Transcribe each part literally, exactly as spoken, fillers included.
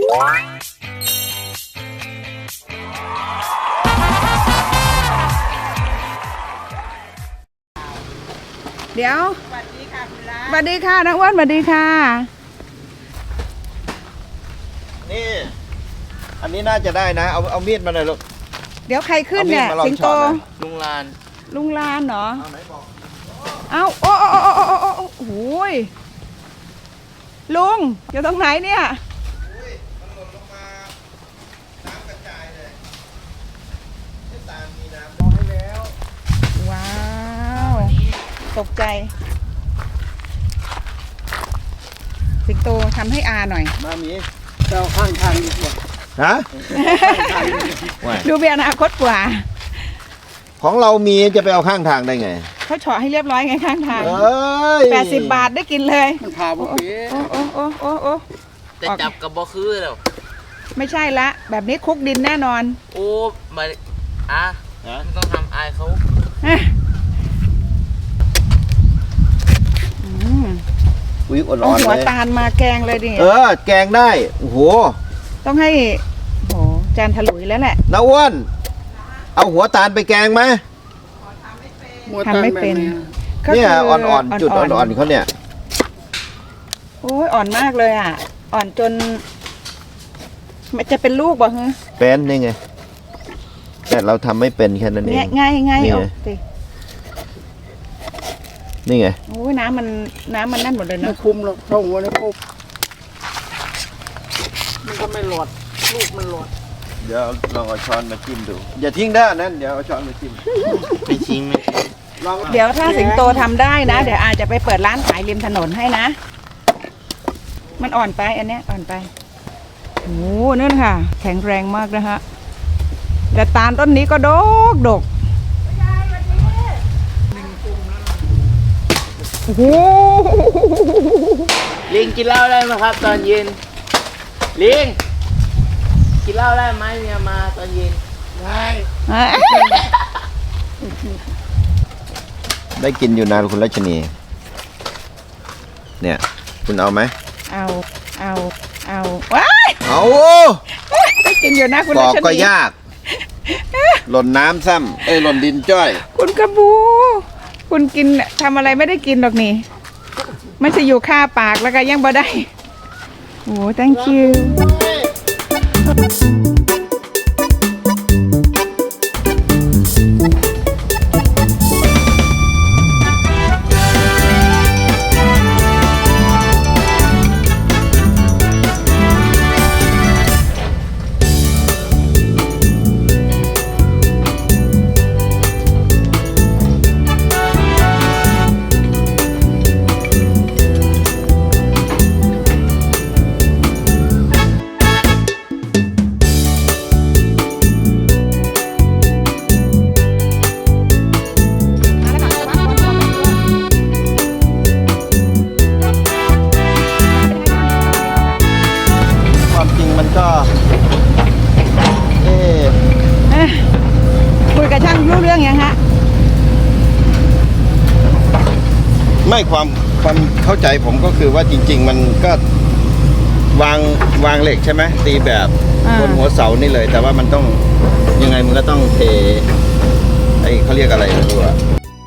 เดี๋ยวสวัสดีค่ะคุณรักสวัสดีค่ะน้องอ้วนสวัสดีค่ะนี่อันนี้น่าจะได้นะเอาเอามีดมาหน่อยลูกเดี๋ยวใครขึ้นเนี่ยสิงโตลุงลานลุงลานเหรอเอาไหนบอกเอาโอ้โอ้โอ้โอ้โอ้โอ้โหลุงอยู่ตรงไหนเนี่ยอุ้ยมันหล่นลงมาน้ำกระจายเลยที่ตามมีน้ำบอกให้แล้วว้าวตกใจสิงโตทำให้อาหน่อยมามีเจ้าข้างทางดีกว่าฮะดูเบียร์อนาคตกว่าของเรามีจะไปเอาข้างทางได้ไงเขาเฉาะให้เรียบร้อยไงข้างทางแปดสิบบาทได้กินเลยมันพาบุฟเฟ่โอ้โอ้โอ้โอ้โอ้แต่จับกับบอคือแล้วไม่ใช่ละแบบนี้คุกดินแน่นอนโอ้มาอ่ะต้องทำอายเขาอุ้ยอ่อนๆเลยหัวตาลมาแกงเลยดิเออแกงได้โอ้โหต้องให้โหจานถลุยแล้วแหละน้าอ้วนเอาหัวตาลไปแกงไหมทำไม่เป็นเนี่ยอ่อนๆจุดอ่อนๆเขาเนี่ยโอ้ยอ่อนมากเลยอ่ะอ่อนจนมันจะเป็นลูกบ่ฮะเป็นนี่ไงแต่เราทำไม่เป็นแค่นั้นเองง่ายง่ายโอ้สินี่ไงโอ้ยน้ำมันน้ำมันนั่นหมดเลยนะไม่คุ้มหรอกเท่าหัวนี่ปุ๊บมันก็ไม่หลอดลูกมันหลอดเดี๋ยวลองเอาช้อนมาจิ้มดูอย่าทิ้งได้นั่นเดี๋ยวเอาช้อนมาจิ้มไม่ทิ้งไม่ลองเดี๋ยวถ้าสิงโตทำได้นะเดี๋ยวอาจจะไปเปิดร้านขายริมถนนให้นะมันอ่อนไปอันเนี้ยอ่อนไปโอ้นั่นค่ะแข็งแรงมากนะฮะแต่ตาลต้นนี้ก็ดกดกโอ้โหลิงกินเหล้าได้ไหมครับตอนเย็นลิงกินเหล้าได้ไหมเมียมาตอนเย็นได้ได้กินอยู่นะคุณรัชนีเนี่ยคุณเอาไหมเอาเอาเอาว้าเอาได้กินอยู่นะคุณรัชนีบอกก็ยากหล่นน้ำซ้ำเอ้ยหล่นดินจ้อยคุณกระบูคุณกินทำอะไรไม่ได้กินหรอกนี่มันจะอยู่คาปากแล้วก็ยังบ่ได้โอ้ thank youคุยกับช่างรู้เรื่องยังฮะไม่ความความเข้าใจผมก็คือว่าจริงๆมันก็วางวางเหล็กใช่ไหมตีแบบบนหัวเสานี่เลยแต่ว่ามันต้องยังไงมันก็ต้องเทไอ้เขาเรียกอะไรไม่รู้อะ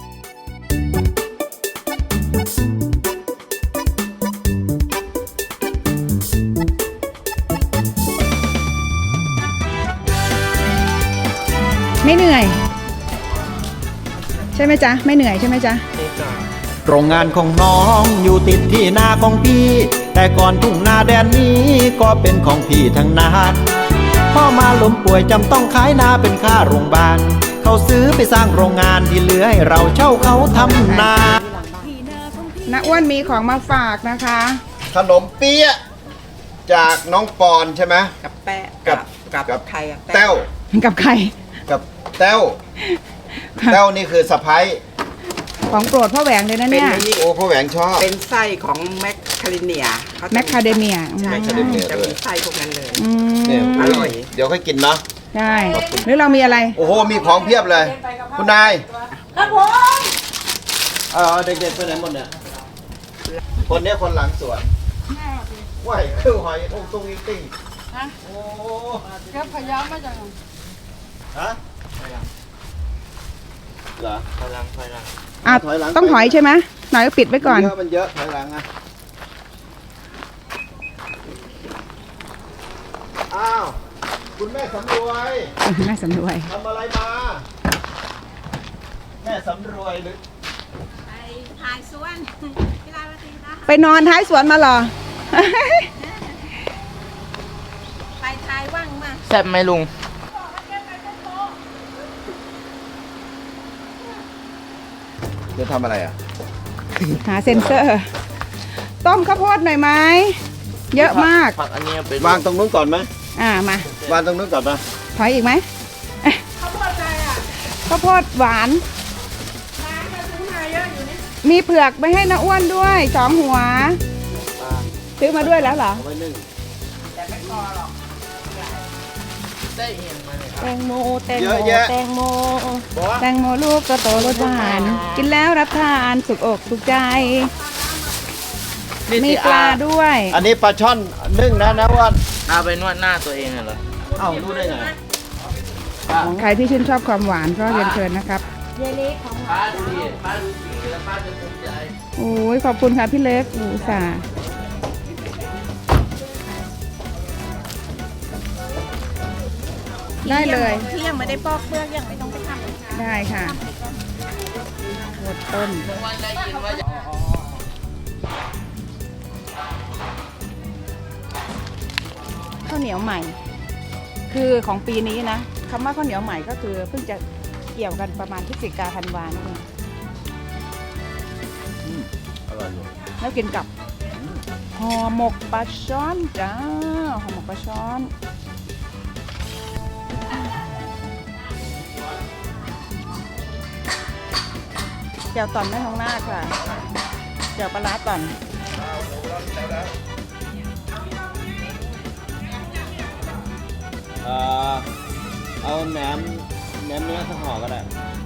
ไม่เหนื่อยใช่ไหมจ๊ะไม่เหนื่อยใช่ไหมจ๊ะโรงงานของน้องอยู่ติดที่นาของพี่แต่ก่อนทุ่งนาแดนนี้ก็เป็นของพี่ทั้งนั้นพ่อมาล้มป่วยจำต้องขายนาเป็นค่าโรงพยาบาลเขาซื้อไปสร้างโรงงานที่เหลือให้เราเช่าเขาทำนาน้าอ้วนมีของมาฝากนะคะขนมเปี๊ยะจากน้องปอนใช่ไหมกับแปะกับกับใครอะแต้วกับใครกับแต้วแต้วนี่คือสะพ้ายของโปรดพ่อแหวงเลยนะเนี่ยโอ้พ่อแหวงชอบเป็นไส้ของแมคคาเดเมียแมคคาเดเมียใช่จะมีไส้พวกนั้นเลยอร่อยเดี๋ยวค่อยกินเนาะใช่หรือเรามีอะไรโอ้โหมีของเพียบเลยคุณนายครับผมเออเด็กๆไปไหนหมดเนี่ยคนนี้คนหลังสวนว่ายคือหอยตรงตรงนี้ติ้งโอ้แค่พยายามมาจากฮะเหรอพลังพลังอ่ะถอยหลังต้องถอยใช่ไหมหน่อยก็ปิดไว้ก่อนเยอะมันเยอะถอยหลังอ่ะอ้าวคุณแม่สำรวยแม่สำรวยทำอะไรมา แม่สำรวยหรือไปถ่ายสวนกีฬาวันตีนะไปนอนท้ายสวนมาเหรอไปถ่ายว่างมาแซ่บไหมลุงจะทำอะไรอ่ะหาเซ็นเซอร์ ต้มข้าวโพดหน่อยไหม เยอะมากผักอันนี้เป็นวางตรงนู้นก่อนไหมอ่ามาวางตรงนู้นก่อนปะถอยอีกไหมข้าวโพดอะไรอ่ะข้าวโพดหวาน มีเผือกไปให้น้าอ้วนด้วยสองหัว ซื้อมาด้วยแล้วเหรอเอาไว้นึ่งได้เอียงมาเลยแตงโม แตงเยโมอะแยะแตงโม แตงโมลูกก็โตรสหวาน กินแล้วรับทานสุกอกสุขใจ มีปลาด้วยอันนี้ปลาช่อนนึ่งนะนะว่าเอาไปนวดหน้าตัวเองเหรอเอ้ารู้ได้ไงใครที่ชื่นชอบความหวานก็เรียนเชิญนะครับป้าดูดิป้าดูสีแล้วป้าจะภูมิใจโอ้ยขอบคุณค่ะพี่เล็กอูสาห์ได้เลยที่ยังไม่ได้ปอกเปลือกยังไม่ต้องไปทำได้ค่ะหมดต้นวันได้ยินว่าจะข้าวเหนียวใหม่ คือของปีนี้นะคำว่าข้าวเหนียวใหม่ก็คือเพิ่งจะเกี่ยวกันประมาณพฤศจิกาธันวานี่เองอร่อยอยู่แล้วกินกับห่อหมกปลาช้อนจ้าห่อหมกปลาช้อนแจ่วตอนแม่ทองหน้าคค่ะแจ่วปลาร้าตอนเอ่อเอาแหนมแหนมเนื้อสักห่อก็ได้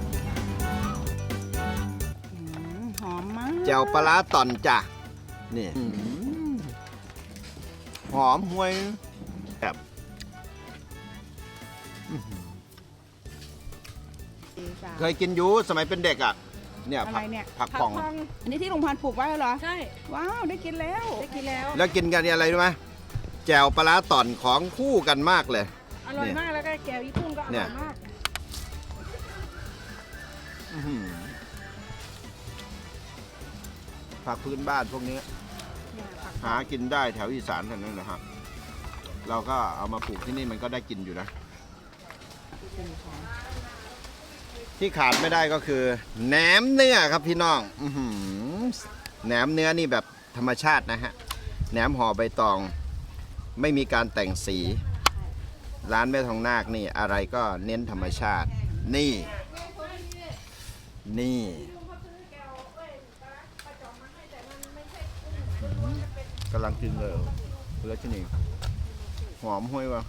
อืมหอมมากแจ่วปลาร้าต่อนจ้ะนี่หอมห่วยแบบ เคยกินอยูสมัยเป็นเด็กอ่ะ เนี่ยอะไรผักเนี่ยผักป่องอันนี้ที่ลุงพันธุ์ปลูกไว้เหรอใช่ว้าว ได้กินแล้วได้กินแล้วแล้วกินกันอะไรรู้ไหมแจ่วปลาร้าต่อนของคู่กันมากเลยอร่อยมากแล้วก็แก้วญี่ปุ่นก็อเนี่ร่อย ยมากอื้อหือผักพื้นบ้านพวกนี้ หากินได้แถวอีสานเท่านั้นนะครับ เราก็เอามาปลูกที่นี่มันก็ได้กินอยู่นะ ที่ขาดไม่ได้ก็คือแหนมเนื้อครับพี่น้อง อื้อหือแหนมเนื้อนี่แบบธรรมชาตินะฮะ แหนมห่อใบตอง ไม่มีการแต่งสี ร้านแม่ทองนาคนี่อะไรก็เน้นธรรมชาติ นี่ นี่กำลังกินเลยแล้วที่นี่หอมห้วยวะ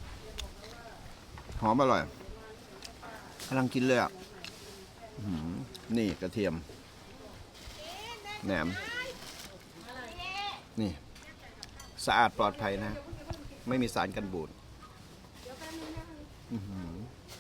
หอมอร่อยกำลังกินเลยอ่ะอื้อหือนี่กระเทียมแหนมนี่สะอาดปลอดภัยนะ ไม่มีสารกันบูดอื้อหือ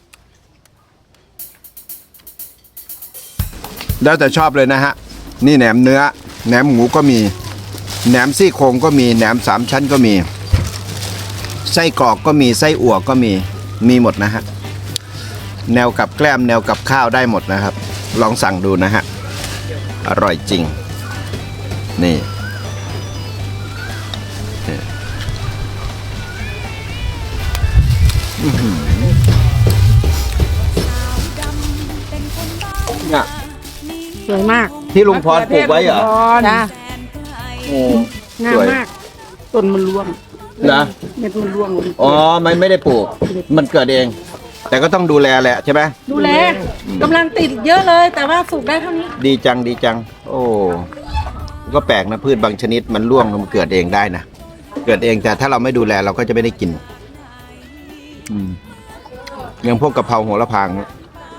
แล้วแต่ชอบเลยนะฮะ นี่แหนมเนื้อแหนมหมูก็มีแหนมซี่โครงก็มีแหนมสามชั้นก็มีไส้กรอกก็มีไส้อั่วก็มีมีหมดนะฮะ แนวกับแกล้มแนวกับข้าวได้หมดนะครับ ลองสั่งดูนะฮะ อร่อยจริง นี่นี่อื้อหือเนี่ยสวยมากที่ลุงพรปลูกไว้เหรอจ้าโอ้งาสมวยมาก ต้นมันร่วงนะเม็ดมันร่วงอ๋อมันไม่ได้ปลูก มันเกิดเอง แต่ก็ต้องดูแลแหละใช่ไหมดูแลกำลังติดเยอะเลย แต่ว่าปลูกได้เท่านี้ดีจังดีจัง โอ้ก็แปลกนะพืชบางชนิดมันร่วงมันเกิดเองได้นะเกิดเองแต่ถ้าเราไม่ดูแลเราก็จะไม่ได้กินอืมอย่างพวกกะเพราโหระพางเนี่ย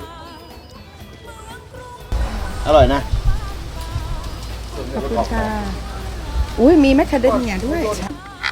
อร่อยนะขอบคุณค่ะ อุ้ยมีแมคคาเดเมียด้วย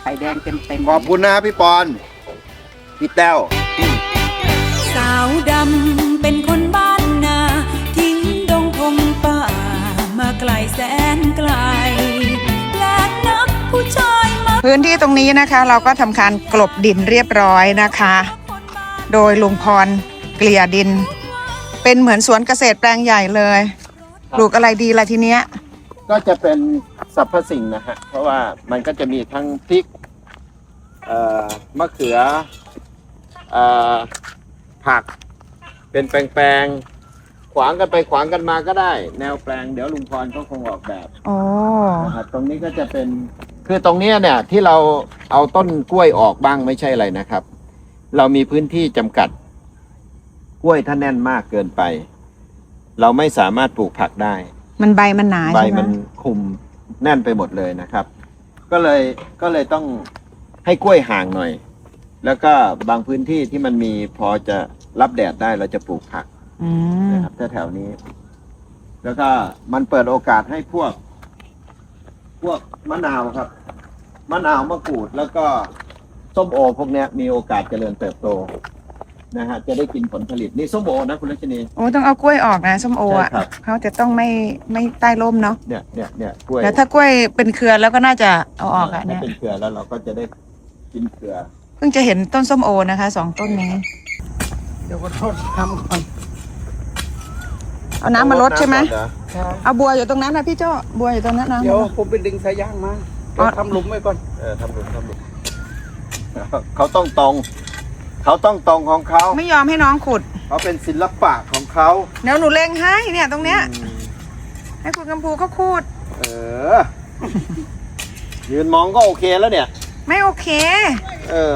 ไข่แดงเต็มเต็มขอบคุณนะพี่ปอนพี่แต้วสาวดำเป็นคนบ้านนาทิ้งดงพงป่ามาไกลแสนไกลและนักผู้ชายมาพื้นที่ตรงนี้นะคะ เราก็ทำการกลบดินเรียบร้อยนะคะ โดยลุงพรเกลี่ยดิน เป็นเหมือนสวนเกษตรแปลงใหญ่เลยปลูกอะไรดีล่ะทีเนี้ยก็จะเป็นสรรพสิ่งนะฮะเพราะว่ามันก็จะมีทั้งพริกเอ่อมะเขือเอ่อผักเป็นแปลงๆขวางกันไปขวางกันมาก็ได้ แนวแปลงเดี๋ยวลุงพรเขาคงออกแบบโอ้นะครับตรงนี้ก็จะเป็นคือตรงเนี้ยเนี่ยที่เราเอาต้นกล้วยออกบ้างไม่ใช่อะไรนะครับ เรามีพื้นที่จำกัดกล้วยถ้าแน่นมากเกินไป เราไม่สามารถปลูกผักได้มันใบมันหนาใบใช่ไหมมันคุมแน่นไปหมดเลยนะครับ ก็เลยก็เลยต้องให้กล้วยห่างหน่อย แล้วก็บางพื้นที่ที่มันมีพอจะรับแดดได้เราจะปลูกผักอืมนะครับแถวๆนี้ แล้วก็มันเปิดโอกาสให้พวก พวกมะนาวครับ มะนาวมะกรูดแล้วก็ส้มโอ พวกเนี้ยมีโอกาสเจริญเติบโตนะฮะจะได้กินผลผลิตนี่ส้มโอนะคุณรัชนีโอ้ต้องเอากล้วยออกนะส้มโออ่ะใช่ครับเขาจะต้องไม่ไม่ใต้ร่มเนาะเนี่ยเนี่ยเนี่ยกล้วยแล้วถ้ากล้วยเป็นเครือแล้วก็น่าจะเอาออกอ่ะถ้าเนี่ยเป็นเครือแล้วเราก็จะได้กินเครือเพิ่งจะเห็นต้นส้มโอนะคะสองต้นนี้เดี๋ยวก็ทดทำก่อนเอาน้ำมาลดใช่ไหมต้องรดน้ำก่อนเหรอเอาบัวอยู่ตรงนั้นนะพี่โจ้บัวอยู่ตรงนั้นนะเดี๋ยวผมไปดึงสายยางมาเดี๋ยวทำหลุมไว้ก่อนเออทำหลุมทำหลุมเขาต้องตรง เขาต้องตรงของเขาไม่ยอมให้น้องขุดเขาเป็นศิลปะของเขาเดี๋ยวหนูเล็งให้เนี่ยตรงเนี้ยให้คุณกำพูเขาคูดเออ ยืนมองก็โอเคแล้วเนี่ยไม่โอเคเออ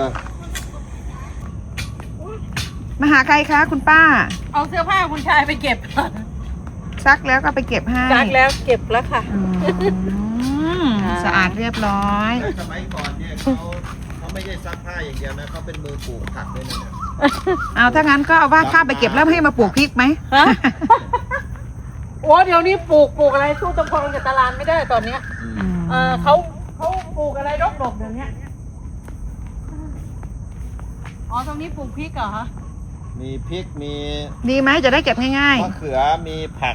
มาหาใครคะคุณป้าเอาเสื้อผ้าคุณชายไปเก็บซักแล้วก็ไปเก็บให้ซักแล้วเก็บแล้วค่ะอืมสะอาดเรียบร้อยสมัยก่อนเนี่ยเขาเขาไม่ได้ซักผ้าอย่างเดียวนะเขาเป็นมือปลูกผักด้วยนะเนี่ยเอาถ้างั้นก็เอาว่าข้าไปเก็บแล้วให้มาปลูกพริกไหมฮะ โอ้เดี๋ยวนี้ปลูกปลูกอะไรสู้ตะพงกับตลาดไม่ได้ตอนเนี้ยอืมเออเขาเขาปลูกอะไรดกๆเดี๋ยวนี้อ๋อตรงนี้ปลูกพริกเหรอคะมีพริกมีดีไหมจะได้เก็บง่ายมะเขือมีผัก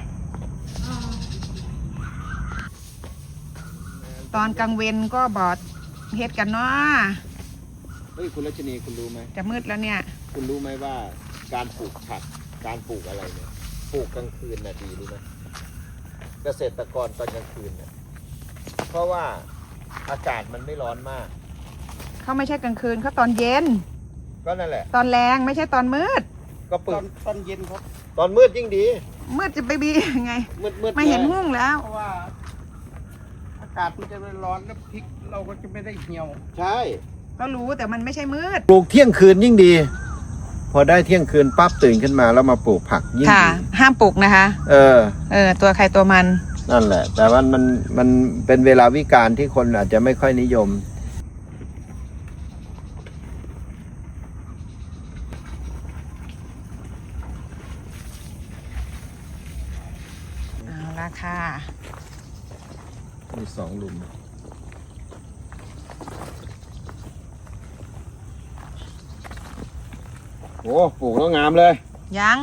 ๆ ตอนกลางเวนก็บอดเฮ็ดกันเนาะเฮ้ยคุณรัชนีคุณรู้ไหมจะมืดแล้วเนี่ยคุณรู้ไหมว่าการปลูกผักการปลูกอะไรเนี่ยปลูกกลางคืนน่ะดีรู้ไหมเกษตรกรตอนกลางคืนเนี่ยเพราะว่าอากาศมันไม่ร้อนมากเขาไม่ใช่กลางคืนเขาตอนเย็นก็นั่นแหละตอนแรงไม่ใช่ตอนมืดก็ปตลูอก นตอนเย็นครับตอนมืดยิ่งดีมืดจะไปบียังไงมืดมืดไม่เห็นลยหุ้งแล้วเพราะว่า อากาศมันจะไม่ร้อนแล้วพริกเราก็จะไม่ได้เหี่ยวใช่ก็รู้แต่มันไม่ใช่มืดปลูกเที่ยงคืนยิ่งดี พอได้เที่ยงคืนปั๊บตื่นขึ้นมาแล้วมาปลูกผักยิ่งค่ะดีห้ามปลูกนะคะเออเออ ตัวใครตัวมันนั่นแหละ แต่ว่ามันมันเป็นเวลาวิกาลที่คนอาจจะไม่ค่อยนิยมเอาละค่ะมีสองหลุมโอ้ปลูกแล้วงามเลยยัง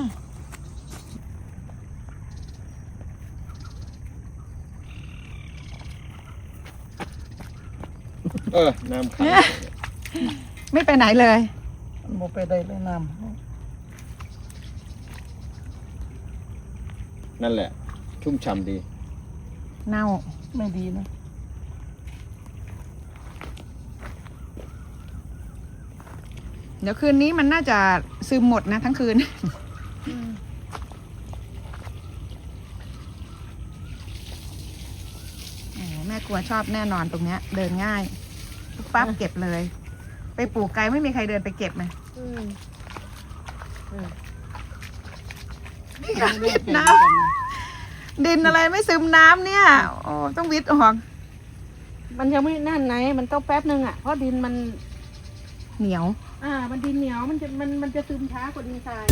เออ น้ำขังไม่ไปไหนเลยโมไปได้เลยน้นั่นแหละ ชุ่มฉ่ำดีเน่าำไม่ดีนะเดี๋ยวคืนนี้มันน่าจะซึมหมดนะทั้งคืน โอ้แม่กลัวชอบแน่นอนตรงเนี้ย เดินง่ายปุ๊บปั๊บเก็บเลย ไปปลูกไกลไม่มีใครเดินไปเก็บไหมนี่ค่ะวิดน้ำดินอะไรไม่ซึมน้ำเนี่ย โอ้ต้องวิดออกมันยังไม่นั่นไหนมันต้องแป๊บนึงอ่ะเพราะดินมันเหนียวอ่า มันดินเหนียวมันจะมันมันจะซึมช้ากว่าดินทราย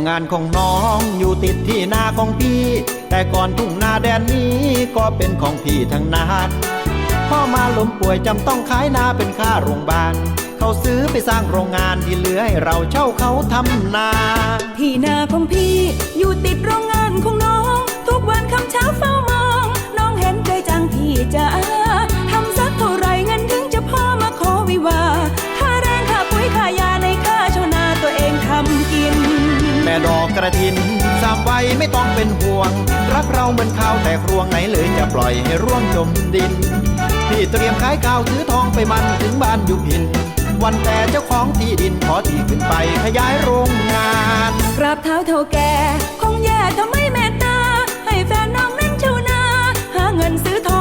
งานของน้องอยู่ติดที่นาของพี่ แต่ก่อนทุ่งนาแดนนี้ก็เป็นของพี่ทั้งนั้นพ่อมาล้มป่วยจำต้องขายนาเป็นค่าโรงพยาบาลเขาซื้อไปสร้างโรงงานที่เหลือให้เราเช่าเขาทำนาที่นาของพี่อยู่ติดโรงงานของน้อง ทุกวันคำเช้าเฝ้ามอง น้องเห็นใจจังพี่จ๋าทำสักเท่าไรเงินถึงจะพอมาขอวิวาค่าแรงค่าปุ๋ยค่ายาในค่าชาวนาตัวเองทำกินแม่ดอกกระถินสามไว้ไม่ต้องเป็นห่วง รักเราเหมือนข้าวแต่ครวงไหนเลยจะปล่อยให้ร่วงจมดิน พี่เตรียมขายข้าวซื้อทองไปมันถึงบ้านอยู่พิน วันแต่เจ้าของที่ดินขอที่ขึ้นไปขยายโรงงานกราบเท้าเท่าแก่คงแย่ถ้าไม่เมตตา ให้แฟนน้องนั้นชาวนา หาเงินซื้อทอง